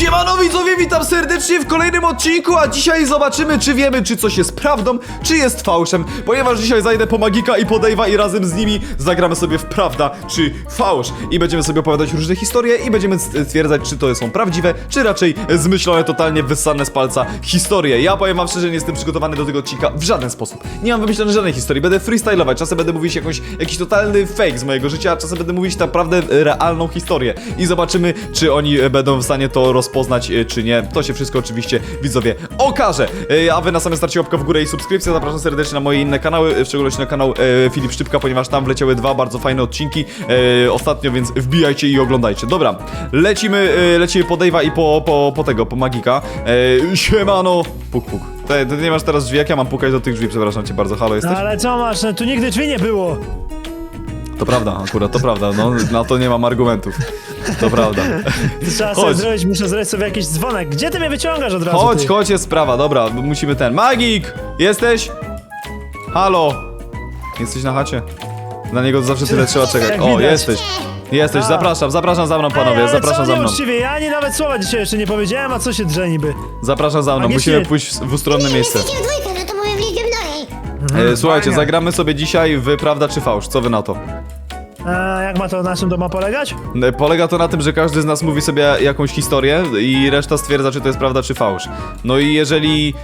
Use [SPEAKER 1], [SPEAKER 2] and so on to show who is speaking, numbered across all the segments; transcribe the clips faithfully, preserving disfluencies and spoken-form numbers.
[SPEAKER 1] Siemano widzowie, witam serdecznie w kolejnym odcinku, a dzisiaj zobaczymy, czy wiemy, czy coś jest prawdą, czy jest fałszem, ponieważ dzisiaj zajdę po Magika i po Dave'a i razem z nimi zagramy sobie w prawda, czy fałsz i będziemy sobie opowiadać różne historie i będziemy stwierdzać, czy to są prawdziwe, czy raczej zmyślone, totalnie wyssane z palca historie. Ja powiem wam szczerze, nie jestem przygotowany do tego odcinka w żaden sposób. Nie mam wymyślonej żadnej historii, będę freestylować, czasem będę mówić jakąś, jakiś totalny fake z mojego życia, a czasem będę mówić naprawdę realną historię i zobaczymy, czy oni będą w stanie to rozpoznać, czy nie. To się wszystko oczywiście, widzowie, okaże. A wy na samym starcie łapka w górę i subskrypcja. Zapraszam serdecznie na moje inne kanały, w szczególności na kanał e, Filip Szczypka, ponieważ tam wleciały dwa bardzo fajne odcinki e, ostatnio, więc wbijajcie i oglądajcie. Dobra, lecimy, e, lecimy po Dave'a i po, po, po tego, po Magika. E, siemano. Puk, puk. Ty, ty nie masz teraz drzwi, jak ja mam pukać do tych drzwi? Przepraszam cię bardzo, halo, jesteś?
[SPEAKER 2] No ale co masz, no, tu nigdy drzwi nie było.
[SPEAKER 1] To prawda, akurat, to prawda, no, na to nie mam argumentów. To prawda.
[SPEAKER 2] Trzeba sobie zrobić, muszę zrobić sobie jakiś dzwonek. Gdzie ty mnie wyciągasz od razu?
[SPEAKER 1] Chodź,
[SPEAKER 2] ty?
[SPEAKER 1] chodź, jest sprawa, dobra, musimy ten. Magik! Jesteś? Halo? Jesteś na chacie? Na niego zawsze tyle trzeba czekać.
[SPEAKER 2] Jak
[SPEAKER 1] O,
[SPEAKER 2] widać.
[SPEAKER 1] jesteś. Jesteś,
[SPEAKER 2] A.
[SPEAKER 1] zapraszam, zapraszam za mną, panowie,
[SPEAKER 2] Ej, ale
[SPEAKER 1] zapraszam
[SPEAKER 2] co,
[SPEAKER 1] za
[SPEAKER 2] nie
[SPEAKER 1] mną.
[SPEAKER 2] uczciwie, ja ani nawet słowa dzisiaj jeszcze nie powiedziałem, a co się drze niby?
[SPEAKER 1] Zapraszam za mną,
[SPEAKER 2] A nie
[SPEAKER 1] musimy
[SPEAKER 2] śmiej.
[SPEAKER 1] pójść w ustronne miejsce.
[SPEAKER 3] Jesteście w dwójkę, no to mówię w liczbie mnogiej.
[SPEAKER 1] E, słuchajcie,
[SPEAKER 2] fajnie.
[SPEAKER 1] zagramy sobie dzisiaj w prawda czy fałsz, co wy na to?
[SPEAKER 2] A jak ma to na czym to ma polegać?
[SPEAKER 1] E, Polega to na tym, że każdy z nas mówi sobie jakąś historię i reszta stwierdza, czy to jest prawda, czy fałsz. No i jeżeli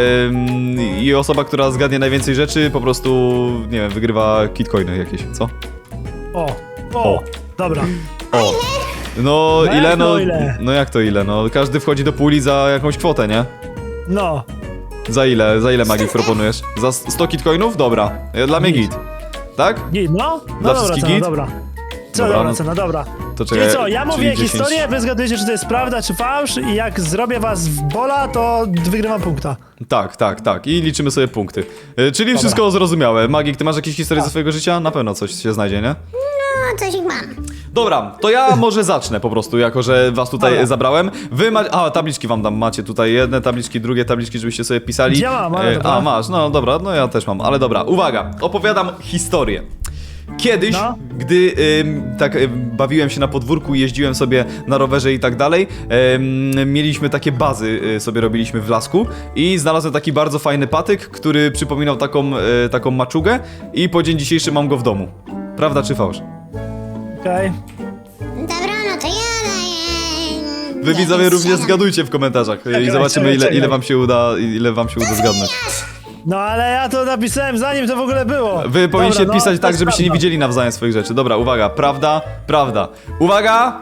[SPEAKER 1] em, i osoba, która zgadnie najwięcej rzeczy, po prostu, nie wiem, wygrywa kitcoiny jakieś, co?
[SPEAKER 2] O, o,
[SPEAKER 1] O.
[SPEAKER 2] dobra.
[SPEAKER 1] O! No,
[SPEAKER 2] No
[SPEAKER 1] ile,
[SPEAKER 2] jak
[SPEAKER 1] no,
[SPEAKER 2] to ile?
[SPEAKER 1] no jak to ile, no, każdy wchodzi do puli za jakąś kwotę, nie?
[SPEAKER 2] No,
[SPEAKER 1] Za ile, za ile Magik proponujesz? Za sto kitcoinów? Dobra, e, dla mnie git. Tak?
[SPEAKER 2] git, no,
[SPEAKER 1] Dla
[SPEAKER 2] no dobra
[SPEAKER 1] wszystkich
[SPEAKER 2] cena,
[SPEAKER 1] git?
[SPEAKER 2] dobra. Co
[SPEAKER 1] Dobra,
[SPEAKER 2] dobra
[SPEAKER 1] no-
[SPEAKER 2] cena, dobra.
[SPEAKER 1] To
[SPEAKER 2] Czyli
[SPEAKER 1] czekaj,
[SPEAKER 2] co, ja
[SPEAKER 1] czyli
[SPEAKER 2] mówię
[SPEAKER 1] dziesięć.
[SPEAKER 2] historię, wy zgadujecie, czy to jest prawda, czy fałsz i jak zrobię was w bola, to wygrywam punkta.
[SPEAKER 1] Tak, tak, tak. I liczymy sobie punkty. E, Czyli wszystko zrozumiałe. Magik, ty masz jakieś historie ze swojego życia? Na pewno coś się znajdzie, nie?
[SPEAKER 3] No, coś ich mam.
[SPEAKER 1] Dobra, to ja może zacznę po prostu, jako że was tutaj
[SPEAKER 2] Dobra.
[SPEAKER 1] zabrałem. Wy macie. A, tabliczki wam dam. Macie tutaj jedne tabliczki, drugie tabliczki, żebyście sobie pisali.
[SPEAKER 2] Ja mam, ale
[SPEAKER 1] E,
[SPEAKER 2] dobra.
[SPEAKER 1] A, masz, no dobra, no ja też mam, ale dobra, uwaga, opowiadam historię. Kiedyś,
[SPEAKER 2] No.
[SPEAKER 1] gdy ym, tak ym, bawiłem się na podwórku, jeździłem sobie na rowerze i tak dalej, ym, mieliśmy takie bazy, y, sobie robiliśmy w lasku i znalazłem taki bardzo fajny patyk, który przypominał taką, y, taką maczugę i po dzień dzisiejszy mam go w domu. Prawda czy fałsz?
[SPEAKER 2] Okej.
[SPEAKER 3] Dobra, no to ja daję...
[SPEAKER 1] Wy widzowie również zgadujcie w komentarzach y, i
[SPEAKER 2] Czekaj,
[SPEAKER 1] zobaczymy
[SPEAKER 2] czekaj,
[SPEAKER 1] ile, ile
[SPEAKER 2] czekaj.
[SPEAKER 1] wam się uda, ile wam się uda zgadnąć.
[SPEAKER 2] No ale ja to napisałem zanim to w ogóle było.
[SPEAKER 1] Wy powinniście
[SPEAKER 2] Dobra, no,
[SPEAKER 1] pisać
[SPEAKER 2] to
[SPEAKER 1] tak,
[SPEAKER 2] jest
[SPEAKER 1] żebyście nie
[SPEAKER 2] prawda.
[SPEAKER 1] widzieli nawzajem swoich rzeczy. Dobra, uwaga, prawda, prawda. Uwaga!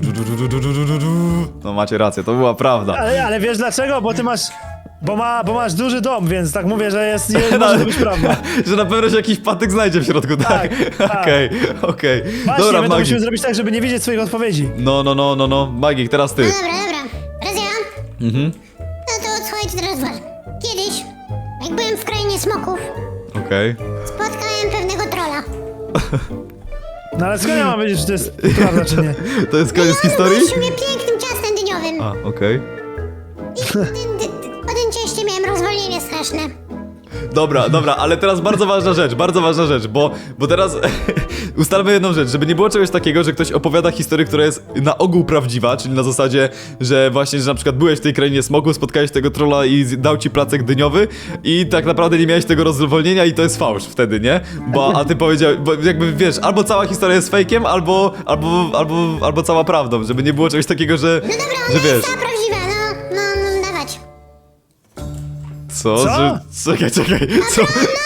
[SPEAKER 1] No macie rację, to była prawda.
[SPEAKER 2] Ale, ale wiesz dlaczego? Bo ty masz... Bo, ma, bo masz duży dom, więc tak mówię, że jest... Nie może to być prawda.
[SPEAKER 1] Że na pewno się jakiś patyk znajdzie w środku, tak?
[SPEAKER 2] tak.
[SPEAKER 1] Okej, okej.
[SPEAKER 2] Właśnie,
[SPEAKER 1] Dobra,
[SPEAKER 2] my to
[SPEAKER 1] Magik.
[SPEAKER 2] musimy zrobić tak, żeby nie widzieć swoich odpowiedzi.
[SPEAKER 1] No, no, no, no, no. Magik, teraz ty.
[SPEAKER 3] No dobra, dobra. Teraz ja?
[SPEAKER 1] Mhm,
[SPEAKER 3] No to słuchajcie teraz uważnie. Kiedyś, jak byłem w krainie smoków,
[SPEAKER 1] okej.
[SPEAKER 3] spotkałem pewnego trolla.
[SPEAKER 2] No ale skąd ja mam wiedzieć, czy to jest prawda, czy nie?
[SPEAKER 1] To jest koniec historii?
[SPEAKER 3] Gościu mnie pięknym ciastem dyniowym.
[SPEAKER 1] A, okej.
[SPEAKER 3] I po tym, dy, po tym cieście miałem rozwolnienie straszne.
[SPEAKER 1] Dobra, dobra, ale teraz bardzo ważna rzecz, bardzo ważna rzecz, bo, bo teraz ustalmy jedną rzecz, żeby nie było czegoś takiego, że ktoś opowiada historię, która jest na ogół prawdziwa, czyli na zasadzie, że właśnie, że na przykład byłeś w tej krainie smogu, spotkałeś tego trolla i z- dał ci placek dyniowy i tak naprawdę nie miałeś tego rozwolnienia i to jest fałsz wtedy, nie? Bo, a ty powiedziałeś, bo jakby wiesz, albo cała historia jest fejkiem, albo, albo, albo, albo cała prawdą, żeby nie było czegoś takiego, że,
[SPEAKER 3] No dobra,
[SPEAKER 1] że
[SPEAKER 3] ona
[SPEAKER 1] wiesz.
[SPEAKER 3] jest ta prawdziwa, no, no, no, dawać.
[SPEAKER 1] Co?
[SPEAKER 2] Co?
[SPEAKER 1] Że, czekaj, czekaj, co?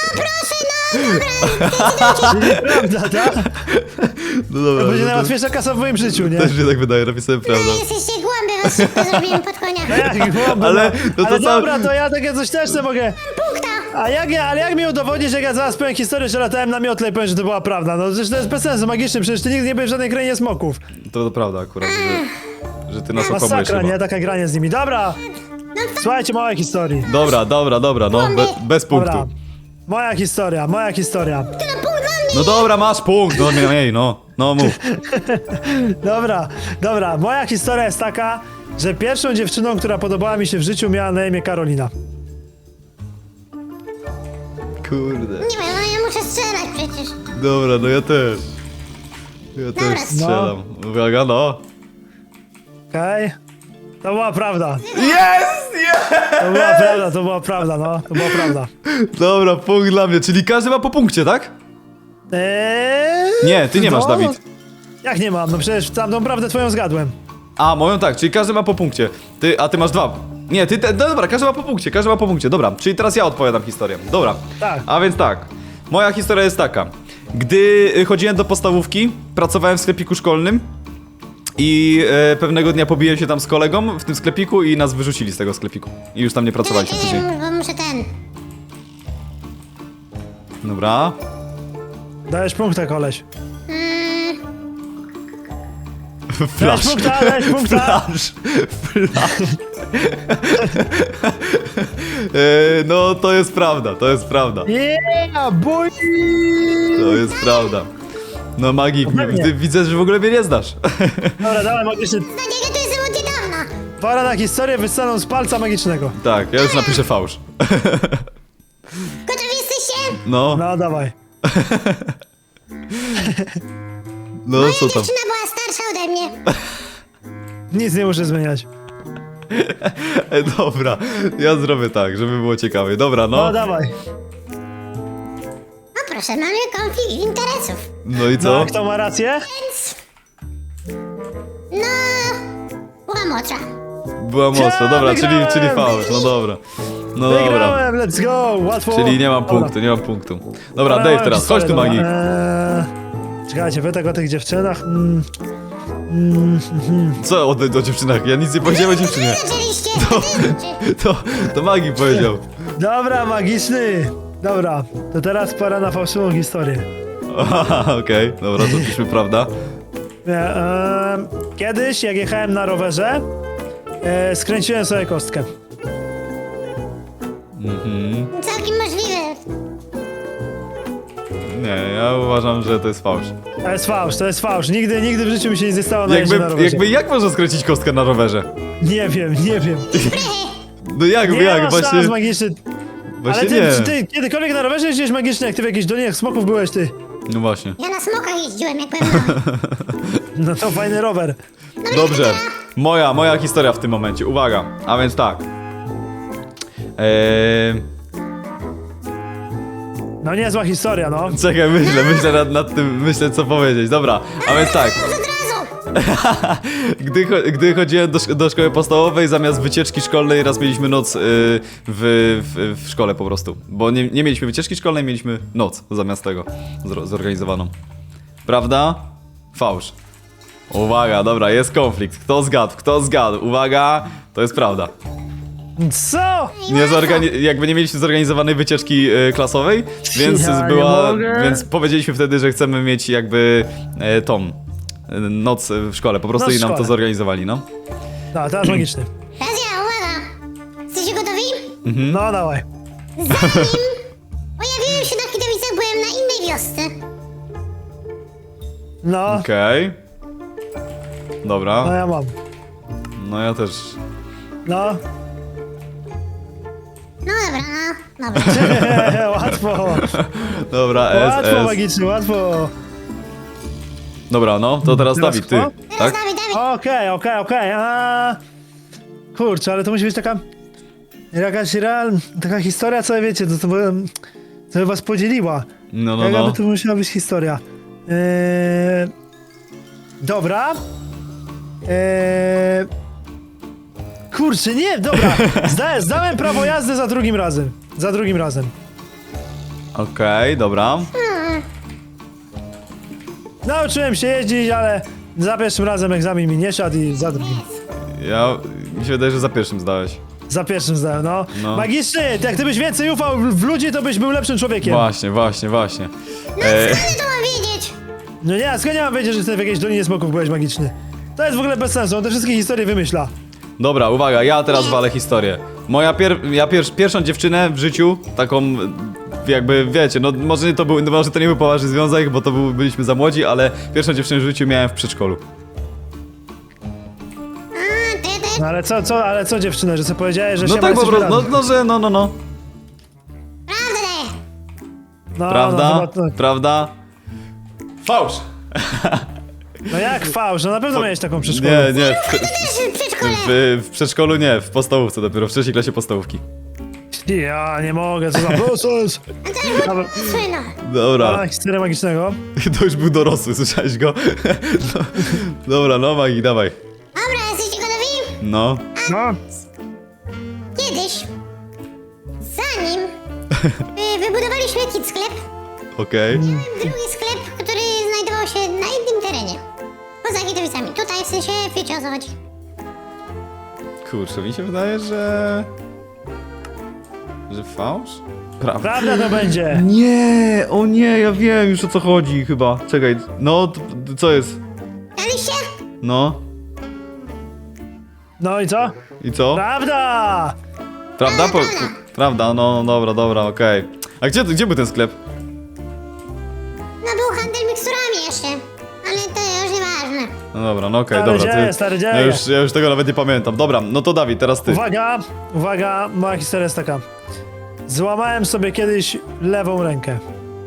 [SPEAKER 2] Prawda, tak?
[SPEAKER 1] No dobra,
[SPEAKER 2] To będzie
[SPEAKER 1] no to
[SPEAKER 2] najłatwiejsza kasa w moim życiu, nie?
[SPEAKER 1] też mi się tak wydaje, napisałem
[SPEAKER 3] No
[SPEAKER 1] prawdę.
[SPEAKER 3] jesteście głąby, was szybko zrobiłem pod konia.
[SPEAKER 2] Jak głąby,
[SPEAKER 1] Ale,
[SPEAKER 2] no.
[SPEAKER 1] no to
[SPEAKER 2] ale
[SPEAKER 1] sam-
[SPEAKER 2] dobra, to ja takie coś też nie mogę.
[SPEAKER 3] Punkta.
[SPEAKER 2] A jak, ja- ale jak mi udowodnisz, jak ja zaraz powiem historię, że latałem na miotle i powiem, że to była prawda? No przecież to jest bez sensu magiczny, przecież ty nigdy nie byłeś w żadnej krainie smoków.
[SPEAKER 1] To, to prawda akurat, że, że ty nas okłamujesz
[SPEAKER 2] Masakra,
[SPEAKER 1] chyba.
[SPEAKER 2] nie? Taka granie z nimi. Dobra! Słuchajcie, małej historii.
[SPEAKER 1] Dobra, dobra, dobra, no, be, bez punktu.
[SPEAKER 2] Dobra. Moja historia, moja historia.
[SPEAKER 3] To na punkt dla mnie.
[SPEAKER 1] No dobra, masz punkt, no nie, ej, no, no mów.
[SPEAKER 2] Dobra, dobra. Moja historia jest taka, że pierwszą dziewczyną, która podobała mi się w życiu, miała na imię Karolina.
[SPEAKER 1] Kurde.
[SPEAKER 3] Nie wiem, no ja muszę strzelać przecież.
[SPEAKER 1] Dobra, no ja też. Ja
[SPEAKER 3] Dobra.
[SPEAKER 1] też strzelam. Uwaga, no.
[SPEAKER 2] Okej? To była prawda.
[SPEAKER 1] Jest! Jest!
[SPEAKER 2] To była prawda, to była prawda, no. To była prawda.
[SPEAKER 1] Dobra, punkt dla mnie, czyli każdy ma po punkcie, tak?
[SPEAKER 2] Eee,
[SPEAKER 1] Nie, ty nie masz,
[SPEAKER 2] no,
[SPEAKER 1] Dawid.
[SPEAKER 2] Jak nie mam? No przecież tamtą prawdę twoją zgadłem.
[SPEAKER 1] A, moją tak, czyli każdy ma po punkcie. Ty, a ty masz dwa. Nie, ty, te, no dobra, każdy ma po punkcie, każdy ma po punkcie, dobra. Czyli teraz ja odpowiadam historię. Dobra.
[SPEAKER 2] Tak.
[SPEAKER 1] A więc tak, moja historia jest taka. Gdy y, chodziłem do podstawówki, pracowałem w sklepiku szkolnym i e, pewnego dnia pobiłem się tam z kolegą w tym sklepiku i nas wyrzucili z tego sklepiku. I już tam nie pracowaliśmy
[SPEAKER 3] Czekaj,
[SPEAKER 1] później.
[SPEAKER 3] czekaj, bo muszę ten.
[SPEAKER 1] Dobra.
[SPEAKER 2] Dajesz punkta, koleś.
[SPEAKER 3] Mm,
[SPEAKER 1] Flash.
[SPEAKER 2] Dajesz punkta, dajesz punkta.
[SPEAKER 1] Flash. Flash. e, no, to jest prawda, to jest prawda.
[SPEAKER 2] Yeah, boy!
[SPEAKER 1] To jest prawda. No Magik,
[SPEAKER 2] pewnie.
[SPEAKER 1] ty widzę, że w ogóle mnie nie znasz.
[SPEAKER 2] Dobra, dawaj magiczny.
[SPEAKER 3] Nadzieję, to jestem od niedawna.
[SPEAKER 2] Pora na historię wystaną z palca magicznego.
[SPEAKER 1] Tak, ja już napiszę fałsz.
[SPEAKER 3] Gotowi jesteście?
[SPEAKER 1] No,
[SPEAKER 2] No, dawaj.
[SPEAKER 1] no co tam?
[SPEAKER 3] Dziewczyna była starsza ode mnie.
[SPEAKER 2] Nic nie muszę zmieniać.
[SPEAKER 1] E, dobra, ja zrobię tak, żeby było ciekawie. Dobra,
[SPEAKER 2] No,
[SPEAKER 1] no.
[SPEAKER 2] dawaj.
[SPEAKER 3] No proszę, mamy konflikt interesów.
[SPEAKER 1] No i
[SPEAKER 2] No,
[SPEAKER 1] co?
[SPEAKER 2] a kto ma rację?
[SPEAKER 3] Więc... No... Była młodsza.
[SPEAKER 1] Była mocno, dobra, czyli,
[SPEAKER 2] wygrałem!
[SPEAKER 1] czyli fałsz, no dobra. No dobra.
[SPEAKER 2] Wygrałem, let's go, łatwo.
[SPEAKER 1] Czyli nie mam
[SPEAKER 2] Dobra.
[SPEAKER 1] punktu, nie mam punktu. Dobra,
[SPEAKER 2] Dobra,
[SPEAKER 1] Dave
[SPEAKER 2] mam
[SPEAKER 1] teraz, chodź tu
[SPEAKER 2] historię,
[SPEAKER 1] Magik.
[SPEAKER 2] dobra. Eee, czekajcie, wy tak o tych dziewczynach. Mm, mm, mhm.
[SPEAKER 1] Co o, o dziewczynach? Ja nic nie powiedziałem o dziewczynie.
[SPEAKER 3] Wy zaczęliście, to ty, czy...
[SPEAKER 1] To, to Magik powiedział.
[SPEAKER 2] Dobra, magiczny. Dobra, to teraz pora na fałszywą historię.
[SPEAKER 1] Aha, okej, dobra, to piszmy prawda.
[SPEAKER 2] E, em, kiedyś, jak jechałem na rowerze, e, skręciłem sobie kostkę.
[SPEAKER 3] Całkiem możliwe.
[SPEAKER 1] Nie, ja uważam, że to jest fałsz.
[SPEAKER 2] To jest fałsz, to jest fałsz. Nigdy, nigdy w życiu mi się nie stało na jeździe
[SPEAKER 1] Jakby,
[SPEAKER 2] na rowerze.
[SPEAKER 1] jakby jak można skręcić kostkę na rowerze?
[SPEAKER 2] Nie wiem, nie wiem.
[SPEAKER 1] No jak,
[SPEAKER 2] Nie
[SPEAKER 1] jak,
[SPEAKER 2] masz
[SPEAKER 1] właśnie,
[SPEAKER 2] szans, magiczny.
[SPEAKER 1] właśnie
[SPEAKER 2] Ale ty,
[SPEAKER 1] nie.
[SPEAKER 2] czy ty kiedykolwiek na rowerze jeździłeś magicznie, jak ty w jakichś dolinie smoków byłeś, ty?
[SPEAKER 1] No właśnie.
[SPEAKER 3] Ja na smokach jeździłem, jak byłem mały.
[SPEAKER 2] No to fajny rower.
[SPEAKER 1] Dobrze, moja, moja historia w tym momencie, uwaga, a więc tak. Eee,
[SPEAKER 2] No niezła historia, no.
[SPEAKER 1] czekaj, myślę, myślę nad, nad tym, myślę co powiedzieć, dobra, a więc tak.
[SPEAKER 3] Od razu!
[SPEAKER 1] Gdy, cho- gdy chodziłem do, szko- do szkoły podstawowej, zamiast wycieczki szkolnej raz mieliśmy noc y, w, w, w szkole po prostu. Bo nie, nie mieliśmy wycieczki szkolnej, mieliśmy noc zamiast tego zro- zorganizowaną. Prawda? Fałsz. Uwaga, dobra, jest konflikt. Kto zgadł? Kto zgadł? Uwaga, to jest prawda.
[SPEAKER 2] Co?
[SPEAKER 1] Nie zorgani- jakby nie mieliśmy zorganizowanej wycieczki y, klasowej, więc
[SPEAKER 2] Ja nie
[SPEAKER 1] była,
[SPEAKER 2] mogę.
[SPEAKER 1] więc powiedzieliśmy wtedy, że chcemy mieć jakby e, tą e, noc w szkole, po prostu
[SPEAKER 2] Noc w
[SPEAKER 1] i nam to
[SPEAKER 2] szkole.
[SPEAKER 1] zorganizowali, no.
[SPEAKER 2] No, teraz magiczny.
[SPEAKER 3] Teraz ja, uwaga! Jesteście gotowi?
[SPEAKER 1] Mhm.
[SPEAKER 2] No, dawaj.
[SPEAKER 3] Zanim pojawiłem się na Kidowicach, byłem na innej wiosce.
[SPEAKER 2] No,
[SPEAKER 1] Okej.
[SPEAKER 2] no
[SPEAKER 1] Dobra,
[SPEAKER 2] ja mam.
[SPEAKER 1] no ja też.
[SPEAKER 2] No.
[SPEAKER 3] No dobra, no, dobra.
[SPEAKER 2] Łatwo.
[SPEAKER 1] Dobra, S,
[SPEAKER 2] Łatwo,
[SPEAKER 1] S.
[SPEAKER 2] magiczny, łatwo.
[SPEAKER 1] Dobra, no, to teraz
[SPEAKER 2] Teraz
[SPEAKER 1] Dawid, ty,
[SPEAKER 2] kto?
[SPEAKER 3] Teraz
[SPEAKER 1] tak?
[SPEAKER 3] Dawid, Dawid.
[SPEAKER 2] Okej, okej, okej. a Kurczę, ale to musi być taka... Jakaś real... Taka historia, co wiecie, to, to by... Co by was podzieliła.
[SPEAKER 1] No, no,
[SPEAKER 2] Jaka
[SPEAKER 1] no.
[SPEAKER 2] by to musiała być historia? Eee... Dobra. Eee... Kurczę, nie, dobra. Zda, zdałem prawo jazdy za drugim razem. Za drugim razem.
[SPEAKER 1] Okej, dobra.
[SPEAKER 2] Nauczyłem się jeździć, ale za pierwszym razem egzamin mi nie szedł i za drugim.
[SPEAKER 1] Ja, mi się wydaje, że za pierwszym zdałeś.
[SPEAKER 2] Za pierwszym zdałem, no.
[SPEAKER 1] No.
[SPEAKER 2] Magiczny, jak gdybyś więcej ufał w ludzi, to byś był lepszym człowiekiem.
[SPEAKER 1] Właśnie, właśnie, właśnie.
[SPEAKER 3] No
[SPEAKER 1] E,
[SPEAKER 3] skąd to mam wiedzieć?
[SPEAKER 2] No nie, a skąd ja mam wiedzieć, że ty w jakiejś Dolinie Smoków byłeś magiczny? To jest w ogóle bez sensu, on te wszystkie historie wymyśla.
[SPEAKER 1] dobra, uwaga, ja teraz walę historię. Moja pier ja pier pierwszą dziewczynę w życiu, taką jakby, wiecie, no może to, był, no, może to nie był poważny związek, bo to był, byliśmy za młodzi, ale pierwszą dziewczynę w życiu miałem w przedszkolu.
[SPEAKER 3] A, to ja, to ja...
[SPEAKER 2] No ale co, co, ale co dziewczyna, że co powiedziałeś, że
[SPEAKER 1] No
[SPEAKER 2] się
[SPEAKER 1] tak po prostu, no, no, że no, no, no.
[SPEAKER 3] Prawdę daję.
[SPEAKER 2] no,
[SPEAKER 1] Prawda?
[SPEAKER 2] No, chyba, to,
[SPEAKER 1] Prawda? Fałsz!
[SPEAKER 2] No jak fałsz? No na pewno miałeś taką przedszkolę.
[SPEAKER 1] Nie, nie, w,
[SPEAKER 3] Też w przedszkole.
[SPEAKER 1] w, w przedszkolu nie, w podstawówce dopiero, w trzeciej klasie podstawówki.
[SPEAKER 2] Ja nie mogę, co za proces. Dobra,
[SPEAKER 3] Słyno.
[SPEAKER 1] Dobra,
[SPEAKER 2] a, historia magicznego.
[SPEAKER 1] to już był dorosły, słyszałeś go? No, dobra, no Magik, dawaj.
[SPEAKER 3] Dobra, jesteście gotowi?
[SPEAKER 1] No,
[SPEAKER 2] No,
[SPEAKER 3] Kiedyś, zanim y, wybudowaliśmy jakiś sklep,
[SPEAKER 1] okej.
[SPEAKER 3] drugi sklep, który znajdował się na innym terenie. Poza Kitowicami. Tutaj w sensie wiecie o co chodzi.
[SPEAKER 1] Kurczę, mi się wydaje, że... Że fałsz? Prawda.
[SPEAKER 2] prawda to będzie.
[SPEAKER 1] Nie, o nie, ja wiem już o co chodzi chyba. Czekaj, no, t- t- co jest?
[SPEAKER 3] Daliście?
[SPEAKER 1] No,
[SPEAKER 2] No i co?
[SPEAKER 1] i co?
[SPEAKER 2] Prawda!
[SPEAKER 1] Prawda? Po, prawda, no dobra, dobra, okej. A gdzie, gdzie był ten sklep?
[SPEAKER 3] No był handel miksturami jeszcze. Ale to już nieważne.
[SPEAKER 1] No dobra, no okej,
[SPEAKER 2] Stary
[SPEAKER 1] dobra.
[SPEAKER 2] dzieje, stary dzieje.
[SPEAKER 1] Ja już, ja już tego nawet nie pamiętam. Dobra, no to Dawid, teraz ty.
[SPEAKER 2] Uwaga, uwaga, moja historia jest taka. Złamałem sobie kiedyś lewą rękę.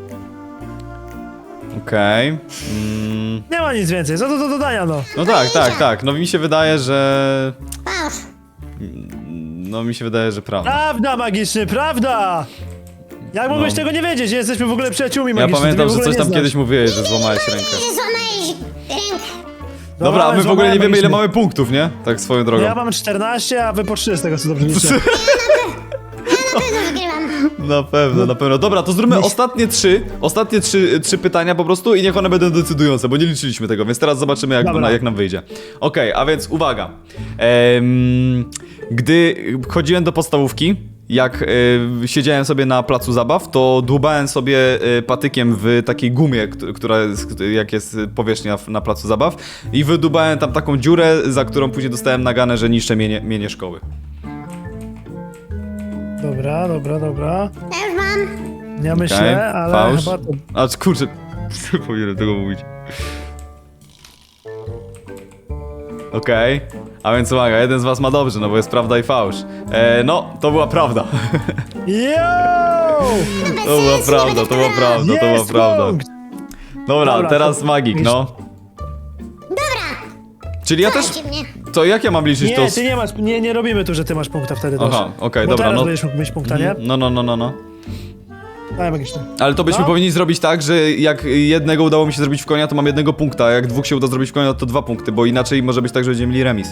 [SPEAKER 1] Okej. Mm,
[SPEAKER 2] Nie ma nic więcej, co to do dodania, no.
[SPEAKER 1] no tak, tak, tak. No mi się wydaje, że...
[SPEAKER 3] Fałsz.
[SPEAKER 1] No mi się wydaje, że prawda.
[SPEAKER 2] Prawda, magiczny, prawda! Jak mogłeś
[SPEAKER 1] No.
[SPEAKER 2] tego nie wiedzieć? Jesteśmy w ogóle przyjaciółmi
[SPEAKER 1] Ja
[SPEAKER 2] magicznymi.
[SPEAKER 1] pamiętam,
[SPEAKER 2] ty
[SPEAKER 1] że
[SPEAKER 2] mnie w
[SPEAKER 1] coś
[SPEAKER 2] ogóle
[SPEAKER 1] tam
[SPEAKER 2] nie
[SPEAKER 1] kiedyś
[SPEAKER 2] znasz.
[SPEAKER 1] mówiłeś, że złamałeś rękę.
[SPEAKER 3] Że złamałeś rękę.
[SPEAKER 1] Dobra, a my w ogóle
[SPEAKER 2] złamałem
[SPEAKER 1] nie wiemy ile
[SPEAKER 2] magiczny.
[SPEAKER 1] mamy punktów, nie? Tak swoją drogą.
[SPEAKER 2] Ja mam czternaście, a wy po trzy z tego co dobrze liczę.
[SPEAKER 3] Na pewno wygrywam.
[SPEAKER 1] Na pewno, na pewno. Dobra, to zróbmy ostatnie trzy, ostatnie trzy, trzy pytania po prostu i niech one będą decydujące, bo nie liczyliśmy tego, więc teraz zobaczymy jak,
[SPEAKER 2] Dobra.
[SPEAKER 1] jak nam wyjdzie. Okej, a więc uwaga. Em, gdy chodziłem do podstawówki, jak e, siedziałem sobie na placu zabaw, to dłubałem sobie e, patykiem w takiej gumie, kt- która jest, jak jest powierzchnia w- na placu zabaw i wydubałem tam taką dziurę, za którą później dostałem naganę, że niszczę mienie, mienie szkoły.
[SPEAKER 2] Dobra, dobra, dobra.
[SPEAKER 3] Ja już mam.
[SPEAKER 2] Ja myślę,
[SPEAKER 1] Okej,
[SPEAKER 2] ale
[SPEAKER 1] fałsz.
[SPEAKER 2] chyba to...
[SPEAKER 1] A kurczę, nie powinienem tego mówić. Okej, a więc uwaga, jeden z was ma dobrze, no bo jest prawda i fałsz. E, no, to była prawda.
[SPEAKER 2] Yo!
[SPEAKER 3] Bez
[SPEAKER 1] To była
[SPEAKER 3] sensu, nie
[SPEAKER 1] prawda,
[SPEAKER 3] będę
[SPEAKER 1] to była
[SPEAKER 3] w
[SPEAKER 1] prawda, to była
[SPEAKER 2] Jest
[SPEAKER 1] prawda.
[SPEAKER 2] punkt!
[SPEAKER 1] Dobra,
[SPEAKER 2] Dobra,
[SPEAKER 1] teraz
[SPEAKER 2] to-
[SPEAKER 1] magik, no.
[SPEAKER 3] Dobra.
[SPEAKER 1] Czyli ja też...
[SPEAKER 3] Słuchajcie mnie.
[SPEAKER 1] To jak ja mam liczyć to...
[SPEAKER 2] Nie,
[SPEAKER 1] z-
[SPEAKER 2] ty nie masz, nie, nie robimy tu, że ty masz punkta wtedy też.
[SPEAKER 1] Aha, okej,
[SPEAKER 2] Bo
[SPEAKER 1] dobra,
[SPEAKER 2] teraz
[SPEAKER 1] no.
[SPEAKER 2] będziesz mógł mieć punkta, nie?
[SPEAKER 1] No, no, no, no, no.
[SPEAKER 2] Daj magiczny.
[SPEAKER 1] Ale to byśmy
[SPEAKER 2] No.
[SPEAKER 1] powinni zrobić tak, że jak jednego udało mi się zrobić w konia, to mam jednego punkta, a jak dwóch się uda zrobić w konia, to dwa punkty, bo inaczej może być tak, że będziemy mieli remis.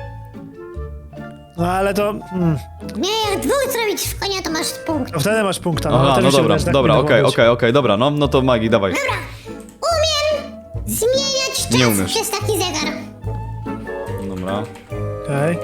[SPEAKER 2] No ale to... Mm,
[SPEAKER 3] Nie, jak dwóch zrobić w konia, to masz punkt.
[SPEAKER 2] to wtedy masz punkta. No,
[SPEAKER 1] Aha,
[SPEAKER 2] też
[SPEAKER 1] no
[SPEAKER 2] mi się
[SPEAKER 1] dobra,
[SPEAKER 2] wydaje, że tak
[SPEAKER 1] dobra,
[SPEAKER 2] powinno
[SPEAKER 1] okej,
[SPEAKER 2] być.
[SPEAKER 1] okej, okej, dobra, no, no to magii, dawaj.
[SPEAKER 3] Umiem zmieniać
[SPEAKER 1] Nie
[SPEAKER 3] czas
[SPEAKER 1] umiesz.
[SPEAKER 3] przez taki zegar.
[SPEAKER 1] Dobra.
[SPEAKER 2] Okej.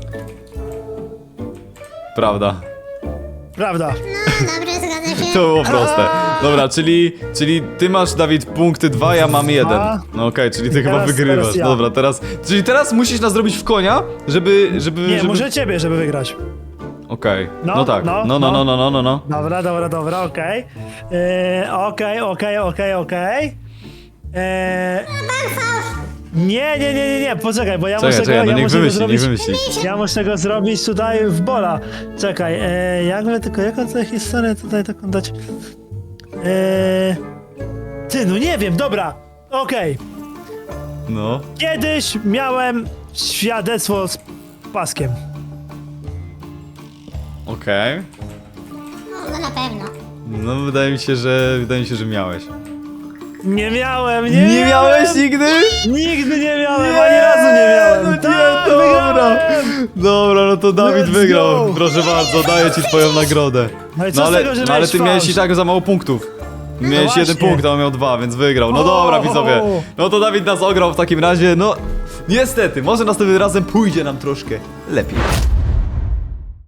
[SPEAKER 1] Prawda.
[SPEAKER 2] Prawda.
[SPEAKER 3] No, dobrze, zgadza się.
[SPEAKER 1] To było proste. Dobra, czyli, czyli ty masz, Dawid, punkty dwa, ja mam jeden. No okej, czyli ty chyba
[SPEAKER 2] Teraz-
[SPEAKER 1] wygrywasz.
[SPEAKER 2] teraz ja.
[SPEAKER 1] Dobra, teraz. Czyli teraz musisz nas zrobić w konia, żeby. żeby
[SPEAKER 2] Nie,
[SPEAKER 1] żeby...
[SPEAKER 2] może ciebie, żeby wygrać.
[SPEAKER 1] Okej. No,
[SPEAKER 2] No,
[SPEAKER 1] tak. No,
[SPEAKER 2] no,
[SPEAKER 1] no, no,
[SPEAKER 2] no.
[SPEAKER 1] no, no, no, no.
[SPEAKER 2] Dobra, dobra, dobra, okej. Eee, Okej, okej, okej, okej. Eee, Nie, nie, nie, nie, nie, poczekaj, bo ja
[SPEAKER 1] Czekaj,
[SPEAKER 2] muszę
[SPEAKER 1] czekaj,
[SPEAKER 2] go,
[SPEAKER 1] no
[SPEAKER 2] ja
[SPEAKER 1] niech
[SPEAKER 2] muszę go
[SPEAKER 1] wymyśli,
[SPEAKER 2] zrobić.
[SPEAKER 1] niech wymyśli.
[SPEAKER 2] Ja muszę go zrobić tutaj w bola. Czekaj, eee, jakby tylko, jaką tę historię tutaj taką dać? Eee, ty, no nie wiem, dobra, okej.
[SPEAKER 1] No.
[SPEAKER 2] Kiedyś miałem świadectwo z paskiem.
[SPEAKER 1] Okej.
[SPEAKER 3] No, no na pewno.
[SPEAKER 1] No wydaje mi się, że. Wydaje mi się, że miałeś.
[SPEAKER 2] Nie miałem, nie,
[SPEAKER 1] Nie miałeś nigdy?
[SPEAKER 2] Nigdy nie miałem, ani razu nie miałem.
[SPEAKER 1] No nie,
[SPEAKER 2] Tak,
[SPEAKER 1] dobra.
[SPEAKER 2] wygrałem.
[SPEAKER 1] Dobra, no to Dawid
[SPEAKER 2] Let's
[SPEAKER 1] wygrał.
[SPEAKER 2] go.
[SPEAKER 1] Proszę bardzo, daję ci twoją nagrodę.
[SPEAKER 2] No i co
[SPEAKER 1] No
[SPEAKER 2] z
[SPEAKER 1] ale,
[SPEAKER 2] tego, że
[SPEAKER 1] no, ale
[SPEAKER 2] miałeś
[SPEAKER 1] ty miałeś
[SPEAKER 2] fałsz?
[SPEAKER 1] i tak za mało punktów. Miałeś
[SPEAKER 2] właśnie.
[SPEAKER 1] jeden punkt, a on miał dwa, więc wygrał. No
[SPEAKER 2] O!
[SPEAKER 1] dobra, widzowie. No to Dawid nas ograł w takim razie. No, niestety, może następnym razem pójdzie nam troszkę lepiej.